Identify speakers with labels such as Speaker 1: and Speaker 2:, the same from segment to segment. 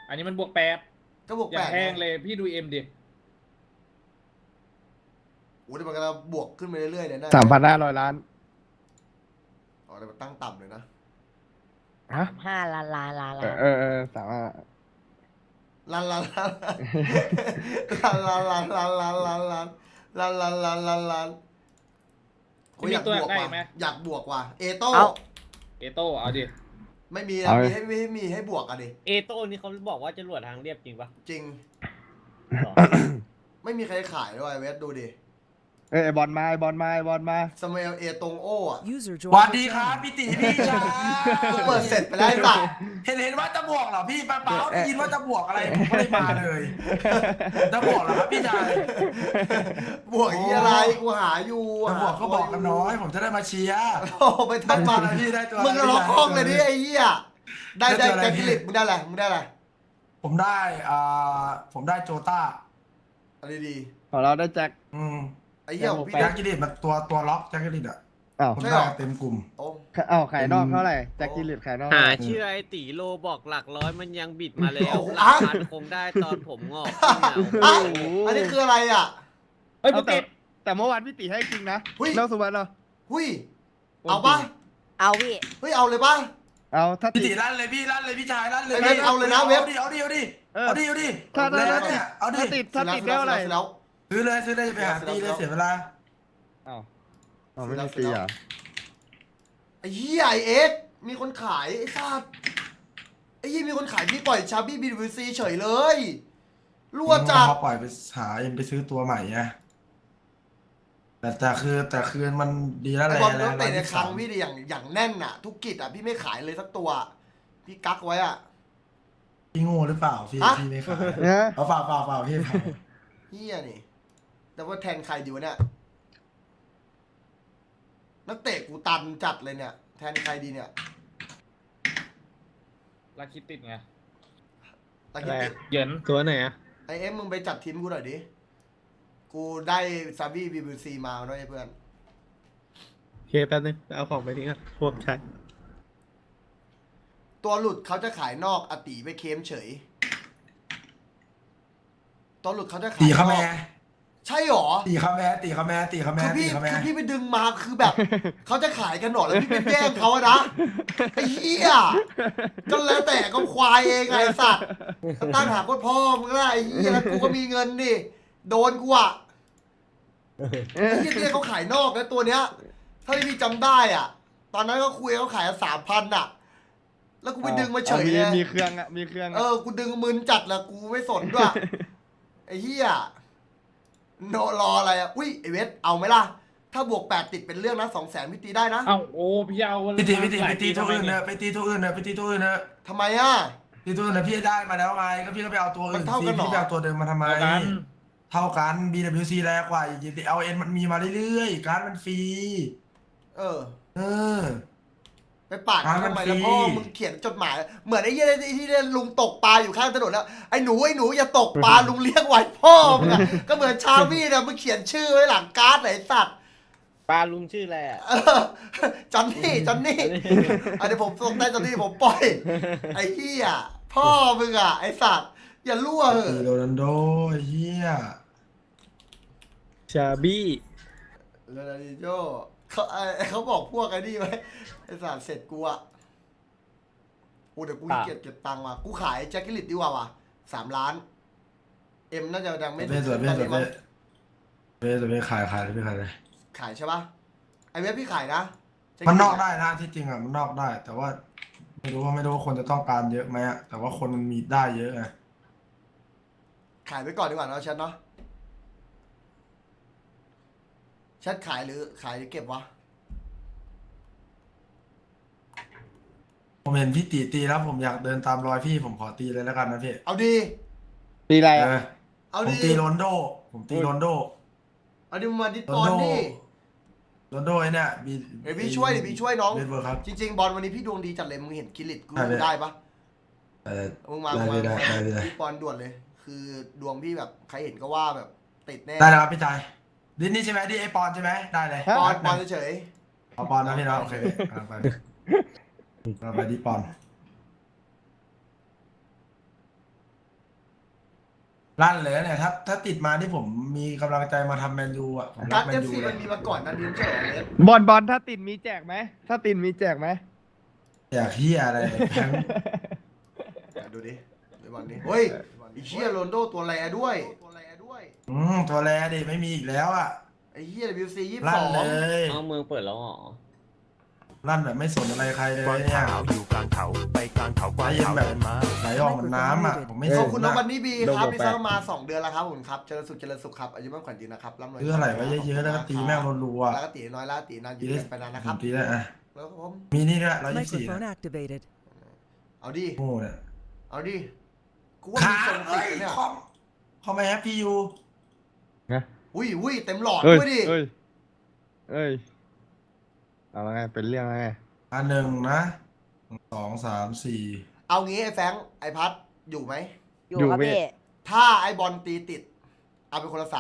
Speaker 1: อันนี้มันบวก8
Speaker 2: ก็บวก
Speaker 1: อย่า
Speaker 2: 8
Speaker 1: แพงเลยพี่ดูเอ็มดิ
Speaker 2: โอ้เดี๋ยวมันก็จะบวกขึ้นไปเรื่อยๆเนี่ยนะ
Speaker 3: 3,500 ล้าน
Speaker 2: อ๋อเดี๋ยวมันตั้งต่ำเลยนะ
Speaker 3: ฮะ
Speaker 4: 5 ล้าน
Speaker 3: สามารถ
Speaker 2: ลันลันลันลันลันลันลันลันลันลันลันลันลันลันโอ้ยอยากบวกว่ะอยากบวกว่ะเอโต้
Speaker 1: เอโต้เอาดิ
Speaker 2: ไม่มีนะมีให้บวกอ่ะดิ
Speaker 5: เอโต้นี่เขาบอกว่าจรวดทางเรียบจริงปะ
Speaker 2: จริง
Speaker 5: หรอ
Speaker 2: ไม่มีใครขายด้วยเวทดูดิ
Speaker 3: ไอ้บอลมา
Speaker 2: สมัยเอตรงโอ้อะ
Speaker 6: สวัสดีครับพี่ตีพี่ชาย
Speaker 2: กูเปิดเสร็จไปแล้วป่ะ
Speaker 6: เห็นว่าจะบวกเหรอพี่เปล่าได้ยินว่าจะบวกอะไรผมก็เลยมาเลยจะบวกเหรอครับพี่ชาย
Speaker 2: บวกอีอะไรกูหาอยู่
Speaker 6: จะบวกก็บอกกันน้อยผมจะได้มาเชียร์
Speaker 2: โอ้ไปทักมา
Speaker 6: ได้ตัวอะไรพี่ได้ตัวอะไร
Speaker 2: มึงล็อกห้องเลยดิไอ้เหี้ยได้แจ็คกิลิตมึงได้อะไรมึงได้อะไร
Speaker 6: ผมได้โจต้า
Speaker 2: อะไรดี
Speaker 3: ของเราได้แจ็ค
Speaker 2: ไอ้เหี้ยของพี่
Speaker 6: แจ็คกิลิตมันตัวล็อกแจ็คกิลิตอ่ะ
Speaker 3: อ้าว
Speaker 6: ผมได้เต็มกลุ่ม
Speaker 2: โอ้
Speaker 3: ขายนอกเท่าไหร่แจ็คกิลิตขายนอก
Speaker 5: หาชื่อไอ้ตีโลบอกหลักร้อยมันยังบิดมาแล้วหลักพันคงได้ตอนผมงอก
Speaker 2: อ่ะอันนี้คืออะไรอ่ะ
Speaker 1: เฮ้ยบวก
Speaker 3: แต่เมื่อวานพี่ตีให้จริงนะ
Speaker 2: หุ้ย
Speaker 3: เล่าสุวรรณเหรอ
Speaker 2: หุ้ยเอาป่ะ
Speaker 4: เอาพี่
Speaker 2: เฮ้ยเอาเลยป่ะ
Speaker 3: เอาถ้า
Speaker 6: พี่
Speaker 3: ตี
Speaker 6: ตีลั่นเลยพี่ลั่นเลยพี่ชายลั่นเลย
Speaker 2: เว็บเอาเลยนะเว็บ
Speaker 6: เอาดิเอาดิเอาดิ
Speaker 3: ถ้า
Speaker 6: เนี่ยเอาดิ
Speaker 3: ถ้าติดได้เท่าไหร่
Speaker 2: แล้ว
Speaker 6: ซื้อเลยจะไปหาตีเลยเสียเวลา
Speaker 3: อ้าวไม่ได้ตีอ่ะ
Speaker 2: ไอ้เหี้ยไอเอ็กมีคนขายไอ้สัตว์ไอ้เหี้ยมีคนขายพี่ปล่อยชาบี้BWCเฉยเลยรั่วจัด
Speaker 6: พอปล่อยไปหาเองไปซื้อตัวใหม่ไงแต่คือมันดีแล้ว
Speaker 2: ไอ้
Speaker 6: แหละ
Speaker 2: บอลต้องเตะในครั้งพี่ดิอย่างแน่นอ่ะ ทุกกิจอ่ะพี่ไม่ขายเลยสักตัว พี่กักไว้อ่ะ
Speaker 6: พี่โง่หรือเปล่าพี่
Speaker 2: ฮะ
Speaker 6: พี่ไม่ขาย
Speaker 3: เนี่ย
Speaker 6: เอาเปล่าพี่เปล่า
Speaker 2: เหี้ยนี่ แต่ว่าแทนใครดีวะเนี่ยนักเตะกูตันจัดเลยเนี่ย แทนใครดีเนี่ย
Speaker 1: ลักคิดติดไง
Speaker 2: ตะกี้ติด
Speaker 1: เหยิน
Speaker 5: ตัวไหนอะ
Speaker 2: ไอเอ็มมึงไปจัดทีมกูหน่อยดิกูได้ซาบี้BWCมาด้วยเพื่อน
Speaker 5: เคแป๊บนึงเอาของไปทิ้งก่อนพวกใช้
Speaker 2: ตัวหลุดเขาจะขายนอกอติไปเค็มเฉย ตัวหลุดเขาจะขาย
Speaker 6: ตีเขา
Speaker 2: น
Speaker 6: แม่
Speaker 2: อกใช่หรอ
Speaker 6: ตีเขาแม่ตีเขาแม่ตีเขาแม่
Speaker 2: คือ
Speaker 6: ตี
Speaker 2: พี่
Speaker 6: เขาแม่
Speaker 2: คือพี่ไปดึงมาคือแบบ เขาจะขายกันหรอแล้วพี่ไปแย่งเขาอะนะไอ้เหี้ยก็แล้วแต่ก็ควายเองไงไอ้สัตว์ก็ตั้งหาพ่อพ่อมึงละไอ้เหี้ยแล้วกูก็มีเงินดิโดนกูอะไอ้เหี้ยเนี่ยเขาขายนอกแล้วตัวเนี้ยถ้าที่พี่จำได้อ่ะ ตอนนั้นก็คุยเขาขาย3,000อ่ะ แล้วกูไปดึงมาเฉยเลย
Speaker 3: มีเครื่องอ่ะมีเครื่อง
Speaker 2: กูดึงมึนจัดละกูไม่สนด้วยไอ้เหี้ยโนรออะไรอ่ะอุ้ยไอเวทเอาไหมล่ะ ถ้าบวก8ติดเป็นเรื่องนะ200,000พี่ตีได้นะ
Speaker 1: เอ้าโอ้พี่เอา
Speaker 6: ไปตี
Speaker 1: หลาย
Speaker 6: ตัวอื่น
Speaker 1: ทำไม
Speaker 6: เนอะไปตีตัวอื่นเนอะไปตีตัวอื่นเนอะ
Speaker 2: ทำไมอ่ะ
Speaker 6: ตีตัวอื่นเนอะพี่ได้มาแล้วไงก็พี่ก็ไปเอาตัวอื่
Speaker 2: มัน นเท่ากันเหรอ
Speaker 6: พี่ไปเอาตัวเดิมมาทำไม
Speaker 1: เอากัน
Speaker 6: เท่ากัน BWC แรงกว่าLN มันมีมาเรื่อยๆการดมันฟรี
Speaker 2: เออ
Speaker 6: เออ
Speaker 2: ไปปาดเขาทำไมแล้วพ่อมึงเขียนจดหมาย เหมือนไอ้เหี้ยที่เล่นลุงตกปลาอยู่ข้างถนนแล้วไอ้หนูอย่าตกปลาลุงเลี้ยงไว้พ่อมึงอะก็เหมือนชาวี่เนี่ยมึงเขียนชื่อไว้หลังการ์ดไหนสัตว์
Speaker 5: ปลาลุงชื่ออะไรอะ
Speaker 2: เออจอนนี่อันนี้ผมส่งได้จอนนี่ผมปล่อยไอ้เหี้ยพ่อมึงอะไอ้สัตว์อย่ารั่วเห
Speaker 6: ตี
Speaker 2: อะ
Speaker 6: โรนัลโดไอ้เฮีย
Speaker 5: ชาบี้
Speaker 2: โรนัลดิโญ่เขาบอกพวกไอ้นี่ไว้ไอ้สัตว์เสร็จกูอะโอ้เดี๋ยวกูเก็บตังค์ว่ะกูขายแจ็คกิลิตดีกว่าว่ะ3 ล้านเอ็มน่าจะดังไม่
Speaker 6: เบ้สวยเบ้สวย
Speaker 2: มั้ง
Speaker 6: เบ้สวยขายเลยพี่ขายเลย
Speaker 2: ขายใช่ปะไอเว็บพี่ขายนะ
Speaker 6: มันนอกได้นะที่จริงอ่ะมันนอกได้ แต่ว่าไม่รู้ว่าคนจะต้องการเยอะไหมอ่ะแต่ว่าคนมันมีได้เยอะไง
Speaker 2: ขายไปก่อนดีกว่าเนาะแชทเนาะแชทขายหรือเก็บวะ
Speaker 6: ผมเห็นพี่ตีแล้วผมอยากเดินตามรอยพี่ผมขอตีเลยแล้วกันนะพี่
Speaker 2: เอาดี
Speaker 3: ตีอะไร
Speaker 6: เอ
Speaker 3: อ่ะ
Speaker 6: อ
Speaker 2: เอา
Speaker 6: ผม
Speaker 2: ดี
Speaker 6: ตีโรนโด
Speaker 2: เอาดีมาดิส
Speaker 6: โร
Speaker 2: บอน ล
Speaker 6: โด
Speaker 2: ดิ
Speaker 6: โรนโดไอ้เนี่ย
Speaker 2: เดี๋ยวพี่ช่วยน้อง
Speaker 6: เบสเบอร์ครับ
Speaker 2: จริง ๆ บอลวันนี้พี่ดวงดีจัดเลยมึงเห็นกิลิตกู
Speaker 6: ได้เลย
Speaker 2: ได้ปะ
Speaker 6: เออ
Speaker 2: มึงมา
Speaker 6: ได้
Speaker 2: พี่บอลด่วนเลย คือดวงพี่แบบใครเห็นก็ว่าแบบติดแน่
Speaker 6: ได้แล้วครับพี่ชายดิสนี่ใช่ไหมดิไอปอนใช่ไหมได้เลย
Speaker 2: บอลเฉย
Speaker 6: เอาปอนนะพี่นะโอเคเอาไปเอาไปดิปอนลั่นเลยเนี่ยถ้าติดมาที่ผมมีกำลังใจมาทำแมนยูอ่ะผมรั
Speaker 2: กาก ร
Speaker 6: แม
Speaker 2: เอน ฟ
Speaker 6: ยู
Speaker 2: ซี
Speaker 6: เล
Speaker 2: มัน
Speaker 6: ย
Speaker 2: มีมาก่อนนั้นนี่ไม่ใช่เหรอเลส
Speaker 3: บอลถ้าติดมีแจกไหมถ้าติดมีแจกไหม
Speaker 6: อยากเฮียอะไรแพง
Speaker 2: ดูดิในวันนี้เฮ้ยไอ้เหี้ยโรนลโดตัวแรด้วย
Speaker 6: ตัวแรดิไม่มีอีกแล้วอ่ะ
Speaker 2: ไอ้เหี้ย WC
Speaker 6: ลั่นเลย
Speaker 5: เอาเมืองเปิดแล้วเหรอ
Speaker 6: ลั่นแบบไม่สนอะไรใครเลย
Speaker 7: กวาง
Speaker 6: เนี่ย
Speaker 7: ขาวอยู่กลางเขาไปกลางเขากวางขาวเดินมา
Speaker 6: ไหลออกเหมือนน้ำอ่ะผมไม่ส
Speaker 2: ขอบ
Speaker 6: น
Speaker 2: คุณน้อง
Speaker 6: นะ
Speaker 2: บันนี่บีครับที่ซักมา2 เดือนแล้วครับผมครับเจริญสุขครับอายุมั่นขวัญยืนนะครับร่ำรวย
Speaker 6: ซื้ออะไรไว้เยอะๆแล้วก็ตีแม่งรัวๆ
Speaker 2: แล้วก็ตีน้อยละตีนานยืนไปนานนะครับ
Speaker 6: ตีได้อ่ะ
Speaker 2: แล้วผม
Speaker 6: มีนี่ด้วย124
Speaker 8: Microphone activated.
Speaker 2: เอาดิ
Speaker 6: โง่เนี่ย
Speaker 2: เอาดิกูว่ามีทรงติดเนี่ย
Speaker 6: คอมไอแฮปปี้ยู
Speaker 3: นะ
Speaker 2: อุ้ยเต็มหลอด
Speaker 3: เอ้ย
Speaker 2: ด้วยดิ
Speaker 3: เอ้ยเอาละไงเป็นเรื่องไง
Speaker 6: อันหนึ่งนะ2 3 4
Speaker 2: เอางี้ไอ้แฟรงค์ไอ้พัดอยู่ไหม
Speaker 4: อยู่ครับพี่
Speaker 2: ถ้าไอ้บอลตีติด เอาไปคนละ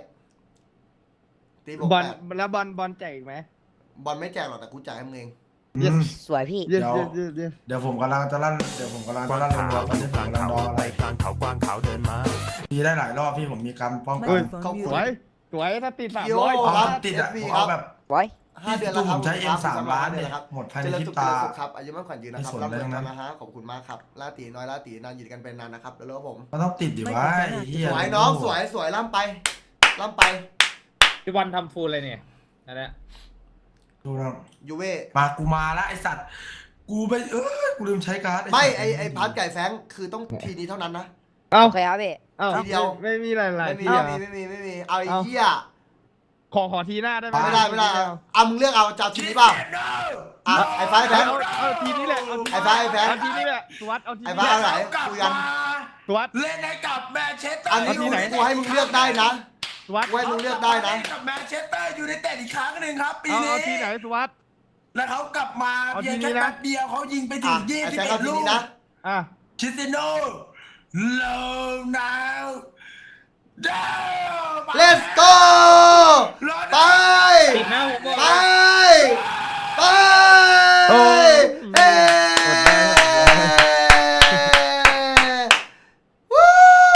Speaker 2: 300ตีบอก
Speaker 3: บอล
Speaker 2: แปด
Speaker 3: แล้วบอลแจกอีกไหม
Speaker 2: บอลไม่แจกหรอกแต่กูจ่ายให้มึงเอง
Speaker 3: Yes
Speaker 4: สวยพี่
Speaker 3: เย็ด
Speaker 6: เดี๋ยว
Speaker 3: เย็ดเย็ด
Speaker 6: เดี๋ยวผมกำลังจะลั่นรั
Speaker 7: ก
Speaker 6: ว
Speaker 7: วาง
Speaker 6: ๆ
Speaker 7: ขาว
Speaker 6: ตอนนี้
Speaker 7: อยู่
Speaker 6: ผม
Speaker 7: กลาง
Speaker 6: กำลัง
Speaker 7: เขา
Speaker 6: รออะไร
Speaker 7: ไปกลางเขากวางขาวเดินมา
Speaker 6: ตีได้หลายรอบพี่ผมมีการป้องกัน
Speaker 3: เอ้ย
Speaker 8: Microphone
Speaker 3: สวย
Speaker 8: muted.
Speaker 3: สวยถ้าติด
Speaker 2: เดี๋ยว
Speaker 3: 300
Speaker 6: เอา
Speaker 2: ครับ
Speaker 6: ติดอ่ะ
Speaker 2: FB
Speaker 6: ผม
Speaker 2: ครั
Speaker 6: เอา
Speaker 2: บ
Speaker 6: แบบ
Speaker 4: ไว้
Speaker 2: 5 เดือนแล้วครับ
Speaker 6: ผมใช้
Speaker 2: ครับ
Speaker 6: M3 ล้านเนี่ย
Speaker 2: ครับ
Speaker 6: หมดภายใน
Speaker 2: เจริญ
Speaker 6: พริ
Speaker 2: สุ
Speaker 6: บ
Speaker 2: ข
Speaker 6: ตา
Speaker 2: ครับอายุมั่นขวัญยืนนะครับ
Speaker 6: ไม่สน
Speaker 2: รับ
Speaker 6: เลย
Speaker 2: เงิน
Speaker 6: นะ
Speaker 2: นะฮะขอบคุณมากครับล่าตีน้อยล่าตีนานอยู่กันเป็นนานนะครับแล้วผม
Speaker 6: มันต้องติดดิวะไอ้เหี้ย
Speaker 2: สวยน้องสวยล่ำไปล่ำไป
Speaker 1: พี่วันทำฟูลเลยเนี่ยนั่นแหละ
Speaker 6: ดูนะ
Speaker 2: ยูเว่
Speaker 6: มากูมาแล้วไอสัตว์กูไปกูลืมใช้การ์ด
Speaker 2: ไม่
Speaker 6: สัตว์
Speaker 2: ไอพัดไก่แฟงคือต้องทีนี้เท่านั้นนะ
Speaker 3: เอ้า
Speaker 4: โอเคครับพี่
Speaker 3: เอ้า
Speaker 2: ทีเดียว
Speaker 3: ไม่มีหลาย
Speaker 2: ไม่
Speaker 3: ๆ
Speaker 2: มี
Speaker 3: ทีอ่ะ
Speaker 2: ไม่มีเอาไอ้เหี้ย
Speaker 3: ขอทีหน้าได้ไหม
Speaker 2: ไม่ได้เอามึงเลือกเอาจะเอาทีนี้เปล่าอ่ะไอ้ฟ้าไอ้แฟง
Speaker 3: เอาทีนี้แหละเอาที
Speaker 2: ไอ้ฟ้าไอ้แฟง
Speaker 3: เอาทีนี้แหละสวัสดเอาที
Speaker 2: ไอ้
Speaker 3: นี้
Speaker 2: ฟ้าเอาไหนคุยกัน
Speaker 3: สวัสด
Speaker 6: เล่นให้กับแมนเชสเตอร์
Speaker 2: อันนี้
Speaker 3: ที่ไหน
Speaker 2: กูให้มึงเลือกได้นะ
Speaker 3: สวัสด
Speaker 2: กูให้มึงเลือกได้นะ
Speaker 6: กับแมนเชสเตอร์ยูไนเต็ดอีกครั้งหนึ่งครับปี
Speaker 3: เอา
Speaker 6: นี้
Speaker 3: เอาทีไหนสวัสด
Speaker 6: แล้วเขากลับมา
Speaker 3: เอา
Speaker 6: เพียง
Speaker 3: ทีนี้
Speaker 6: แค่
Speaker 3: นะ
Speaker 6: แป๊บเดียวเขายิงไปถึ
Speaker 2: อ่ะ
Speaker 6: ง
Speaker 2: ไอ้แฟงเอา
Speaker 6: 21
Speaker 2: ที
Speaker 6: ลู
Speaker 2: นี้
Speaker 6: ก
Speaker 2: นะ
Speaker 3: อ่ะ
Speaker 6: ชิซิโน่โลนาวเดล
Speaker 2: Let's go ไป
Speaker 1: ติดหน้าผมบอก
Speaker 2: ไป
Speaker 1: เลย
Speaker 2: ไป
Speaker 3: โอ้ย
Speaker 2: เอ้วู้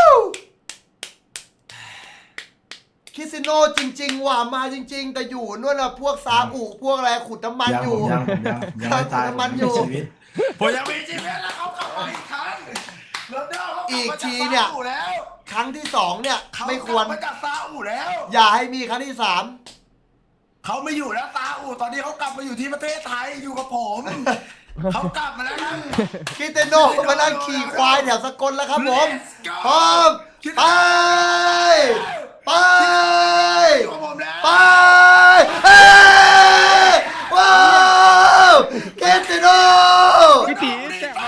Speaker 2: คริสติโนจริงๆว่ะมาจริง ๆ แต่อยู่นู่นน่ะพวกซาอุพวกอะไรขุดน้ำมันอยู่
Speaker 6: ผมยังไม่ตาย
Speaker 2: น้ำมันอยู่
Speaker 6: ผมมีชีวิตผมยังมีชีวิตแล้วเขากลับมาอีกครั้งโรนัลโดเขากลับ
Speaker 2: อีก
Speaker 6: มา
Speaker 2: ที
Speaker 6: จาก
Speaker 2: เนี่ย
Speaker 6: ซาอุแล้ว
Speaker 2: ครั้งที่2เนี่ย
Speaker 6: เขา
Speaker 2: ไม่
Speaker 6: ก
Speaker 2: คว
Speaker 6: ลั
Speaker 2: ร
Speaker 6: บมาจากซาอุแล้ว
Speaker 2: อย่าให้มีครั้งที่
Speaker 6: เขาไม่อยู่แล้วซาอุตอนนี้เขากลับมาอยู่ที่ประเทศไทยอยู่กับผม เขากลับมาแล้วนะ
Speaker 2: 3คริสเตียโนมานั่งขี่ควายแถวสกลแล้วครับผม
Speaker 6: Let's go
Speaker 2: พร้อมไป ไป
Speaker 6: อยู่กับผมแล้ว
Speaker 2: ไปเฮ้ยว้าวคริสเตียโน
Speaker 3: พี่ตีแจกไหม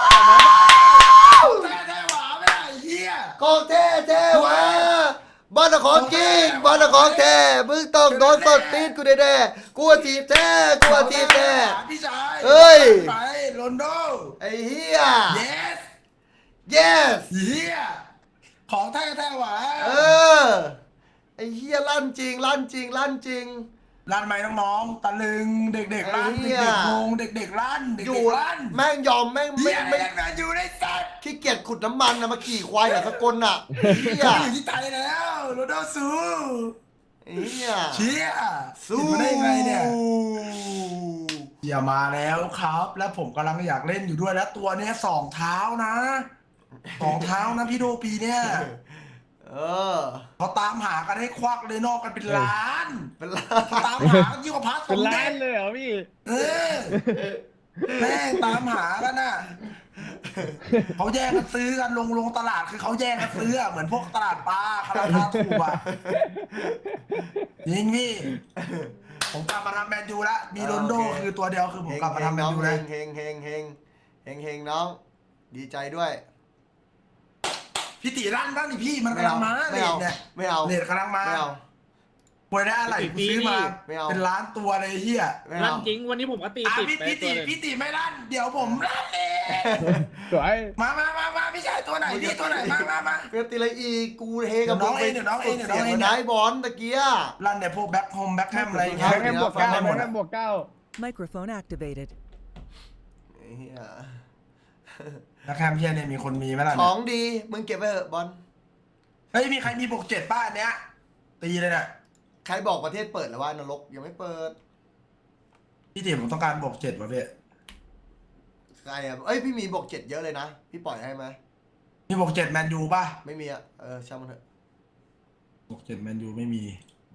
Speaker 6: แท้ๆหวาไม่ได้ไอ้เหี้ย
Speaker 2: ของแท้แท้วะบอลของจริงบอลของแท้มึงต้องโดนสดตีนกูแน่ๆกูทีบแท้กูทีบแท้
Speaker 6: พี่ชาย
Speaker 2: เอ้ย
Speaker 6: ไปโรนลโด
Speaker 2: ไอ้เหี้ย
Speaker 6: yes
Speaker 2: yes
Speaker 6: เหี้ยของแท้ๆหวา
Speaker 2: เออ ไอ้เหี้ยลั่นจริงลั่นจริงลั่นจริง
Speaker 6: ลั่นไหมน้องๆตะลึงเด็กๆลั่น
Speaker 2: ไอ้เหี้
Speaker 6: เด็
Speaker 2: ย
Speaker 6: กๆงงเด็กๆลั่นเด็
Speaker 2: อยู่
Speaker 6: กๆลั่น
Speaker 2: แม่งยอมแม่ง
Speaker 6: เหี้
Speaker 2: ไม่
Speaker 6: ย
Speaker 2: ไม่
Speaker 6: ยังไงอยู่ในสัตว์
Speaker 2: ขี้เกียจขุดน้ำมันนะมาขี่ควายแถวสกลน่ะไอ้เหี้ย
Speaker 6: เขาอยู่ที่ไทยแล้วโรนัลโดสู้
Speaker 2: ไอ้เหี้ย
Speaker 6: เชี่ย
Speaker 2: สู้
Speaker 6: ติดมาได้ยังไงเนี่ยอย่ามาแล้วครับ แล้วผมกำลังอยากเล่นอยู่ด้วยแล้วตัวเนี้ย2 เท้านะ2 เท้านะพี่โดปีเนี่ย
Speaker 2: เออ
Speaker 6: เขาตามหากันให้ควักเลยนอกกันเป็นล้าน
Speaker 2: เป็นไร
Speaker 6: เขาตามหายิ่งกว่าพระส
Speaker 3: เป็น
Speaker 6: ม
Speaker 3: ล้า
Speaker 6: เด็
Speaker 3: น
Speaker 6: จ
Speaker 3: เลยเหรอพี่
Speaker 6: เออแม่งตามหากันน่ะเขาแย่งกันซื้อกันลงตลาดคือเขาแย่งกันซื้ออะเหมือนพวกตลาดปลาราคาถูกอ่ะยิงพี่ผมกลับมาทำแมนยูแล้วมีโรนลโดคือตัวเดียวคือผมกลับมาทำแมนยูแล้ว
Speaker 2: เฮงเฮงเฮงเฮงเฮงน้อง ดีใจด้วย
Speaker 6: พี่ตีลั่นบ้างดิพี่มันกำลังมา
Speaker 2: ไม่
Speaker 6: เน็
Speaker 2: เอา
Speaker 6: ตเนี่ย
Speaker 2: ไม่เอา
Speaker 6: เน็ตกำลังมา
Speaker 2: ไม่เอา
Speaker 6: ป่วยได้อะไรกูซื้อมา
Speaker 2: ไม่เอา
Speaker 6: เป็นล้านตัวเลยเฮีย
Speaker 2: ไม่
Speaker 1: ลั่
Speaker 2: เอา
Speaker 1: นจริงวันนี้ผมก็ตี
Speaker 6: อ่ะ
Speaker 1: ติด
Speaker 6: พี่
Speaker 1: ไป
Speaker 6: พี่
Speaker 1: ตั
Speaker 6: ตี
Speaker 1: วหนึ่ง
Speaker 6: พี่ตีไม่ลั่นเดี๋ยวผมลั่นเอง
Speaker 3: สวย
Speaker 6: มาพี่ชายตัวไหนพี่ตัวไหนมา
Speaker 2: เปรียบตีอะไรอีกกูเฮกับ
Speaker 6: เดี๋ยวน้องเอง
Speaker 2: สุด
Speaker 6: เดี๋ยวน้องเอง
Speaker 2: เสียงมาได้บอลตะเกีย
Speaker 6: ลั่นเนี่ยพวกแบ็คโฮมแบ็คแฮมอะไรอย่าง
Speaker 2: ครั
Speaker 6: เงี้
Speaker 2: บ
Speaker 6: ย
Speaker 3: แค่บวก 9
Speaker 2: ฟังได้หมด
Speaker 3: แค่บวก 9
Speaker 8: Microphone activated.
Speaker 2: ไอ้เหี้ย
Speaker 6: แบ็คแฮมเพี้ยเนี่ยมีคนมีไหมล่ะ
Speaker 2: ข
Speaker 6: เนี่
Speaker 2: อย งดีมึงเก็บไว้เถอะบอล
Speaker 6: เฮ้ยมีใครมีบวก7ป้าอันเนี้ยตีเลยเนี่ย
Speaker 2: ใครบอกประเทศเปิดแล้วว่านรกยังไม่เปิด
Speaker 6: พี่ติ๋มผมต้องการบวก7ว่ะพี่
Speaker 2: ใครอ่ะเอ้ยพี่มีบวก7เยอะเลยนะพี่ปล่อยให้ไหม
Speaker 6: มีบวก7แมนยูป่ะ
Speaker 2: ไม่มีอ่ะช่างมันเถอะ
Speaker 6: บวก7แมนยูไม่มี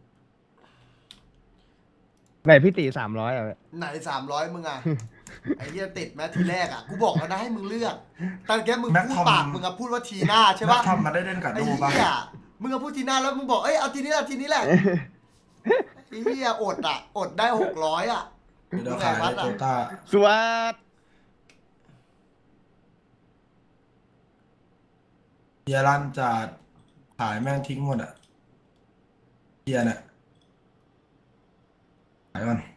Speaker 3: ไหนพี่ตี300อ่ะ
Speaker 2: ไหน300มึงอ่ะ ไอ้เหี้ยติดไหมทีแรกอ่ะกูบอกแล้วนะให้มึงเลือกตอนแกมึง
Speaker 6: แม็ก
Speaker 2: พูด
Speaker 6: ทอม
Speaker 2: ปากมึงอ่ะพูดว่าทีหน้าใช่
Speaker 6: แล้
Speaker 2: ปะ
Speaker 6: วทำมาได้เล่นกับ
Speaker 2: ไอ้
Speaker 6: ดูป่ะ
Speaker 2: เหี้ยมึงก็พูดทีหน้าแล้วมึงบอกเอ้ยเอาทีนี้แหละทีนี้แหละไอ้เหี้ยอดอ่ะอดได้600อ่ะ
Speaker 6: เดี๋ยวขายโตต้า
Speaker 3: สวัสด
Speaker 6: เฮียรันจัดขายแม่งทิ้งหมดอ่ะเฮียเนี่ยขายก่อน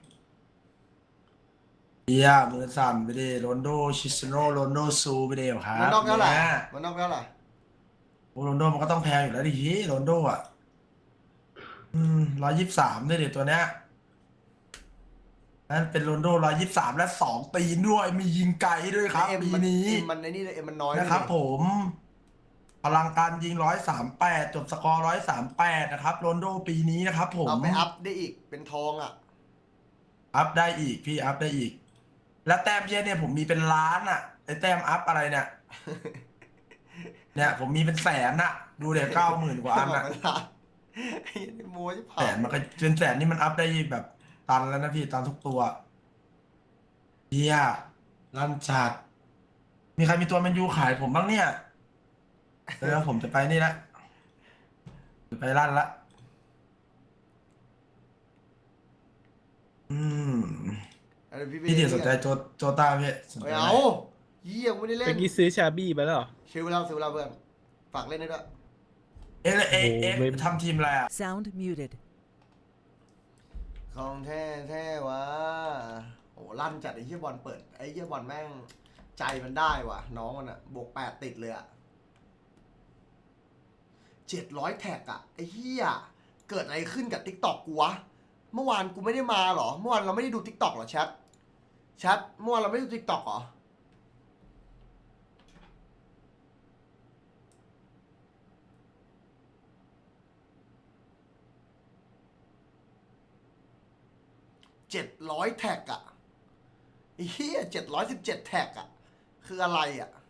Speaker 6: เฮียมือสั่นไปดิโรนโดชิสโนโรนโดซูไปดิครับ
Speaker 2: มันนอกเท่าไหร่
Speaker 6: นี่ย
Speaker 2: มันนอกเท่าไหร่
Speaker 6: โอ้โรนโดมันก็ต้องแพงอยู่แล้วดิโรนโดอ่ะ123ด้วยดิตัวเนี้ยนั่นเป็นโรนโด123และ2ตีนด้วยมียิงไกลด้วยครับ
Speaker 2: เอ็ม
Speaker 6: ปี
Speaker 2: มัน
Speaker 6: นี้
Speaker 2: มันในนี่เลยเอ็มมันน้อย
Speaker 6: นะครับ
Speaker 2: ด้วย
Speaker 6: ผม พลังการยิง138จบสกอร์138นะครับโรนโดปีนี้นะครับผม
Speaker 2: เอาไปอัพได้อีกเป็นทองอ่ะ
Speaker 6: อัพได้อีกพี่อัพได้อีก แล้วแต้มเยอะเนี่ยผมมีเป็นล้านอ่ะไอ้แต้มอัพอะไรเนี่ย เนี่ยผมมีเป็นแสนอ่ะ ดูเดี๋ยว90,000 กว่าอันอ่ะ
Speaker 2: ไอ้โม้จะผ่า
Speaker 6: แสนมันก็เป็นแสนนี่มันอัพได้แบบตันแล้วนะพี่ตันทุกตัวเฮียลั่นจัดมีใครมีตัวแมนยูขายผมบ้างเนี่ยแล้วผมจะไปนี่ละจะไปลั่นละพี่เดี๋ยวสนใจโจต้าพี่สนใจ
Speaker 2: ไม่
Speaker 6: ไหม
Speaker 2: เอาเยี่ยมไม่ได้เล่
Speaker 1: เมื่
Speaker 2: น
Speaker 1: อกี้ซื้อชาบี้ไปแล้วเหรอ
Speaker 2: ซื้อไปแล้วเพื่อนฝากเล่นให้ด้วย
Speaker 6: เอ๊ะ
Speaker 1: โอ้โหไม่
Speaker 6: ทำทีมอะไรอ่ะ
Speaker 8: Sound muted.
Speaker 2: ของแท้วะโอ้ลั่นจัดไอ้เหี้ยบอลเปิดไอ้เหี้ยบอลแม่งใจมันได้ว่ะน้องมันอ่ะบวก8ติดเลยอ่ะ700แท็กอ่ะไอ้เหี้ยเกิดอะไรขึ้นกับ TikTok กูวะเมื่อวานกูไม่ได้มาหรอเมื่อวานเราไม่ได้ดู TikTok หรอแชทเมื่อวานเราไม่ได้ดู TikTok หรอ700แท็กอะไอ้เหี้ย717แท็กอะคืออะไรอะ